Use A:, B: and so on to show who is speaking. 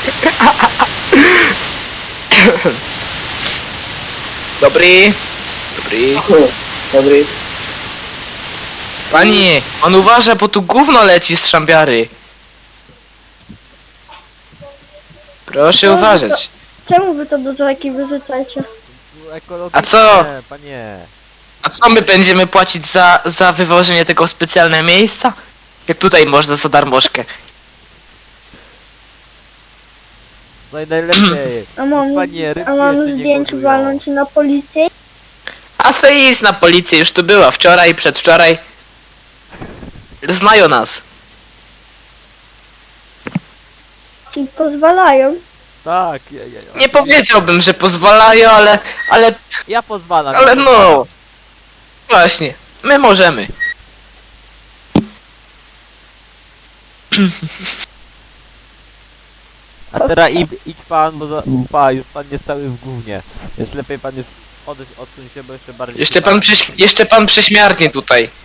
A: Dobry. Dobry.
B: Dobry.
A: Panie, on uważa, bo tu gówno leci z szambiary. Proszę uważać.
C: Czemu wy to do rzeki wyrzucacie?
A: A co?
D: Panie.
A: A co my będziemy płacić za wywożenie tego w specjalne miejsca? Jak tutaj można za darmożkę.
D: No i najlepiej.
C: A mam,
D: Panie, rybki
C: a mam
D: jeszcze nie
C: zdjęć
D: gotują.
C: walnąć na policję?
A: A se idź na policję, już tu była wczoraj, przedwczoraj. Znają nas.
C: Ci pozwalają.
D: Tak,
A: Nie powiedziałbym, że pozwalają, ale
D: Ja pozwalam.
A: Ale no. Właśnie, my możemy.
D: A teraz idź pan, bo już pan jest cały w gównie. Więc lepiej pan już odsuń się, bo jeszcze bardziej...
A: Jeszcze pan prześmiarnie tutaj.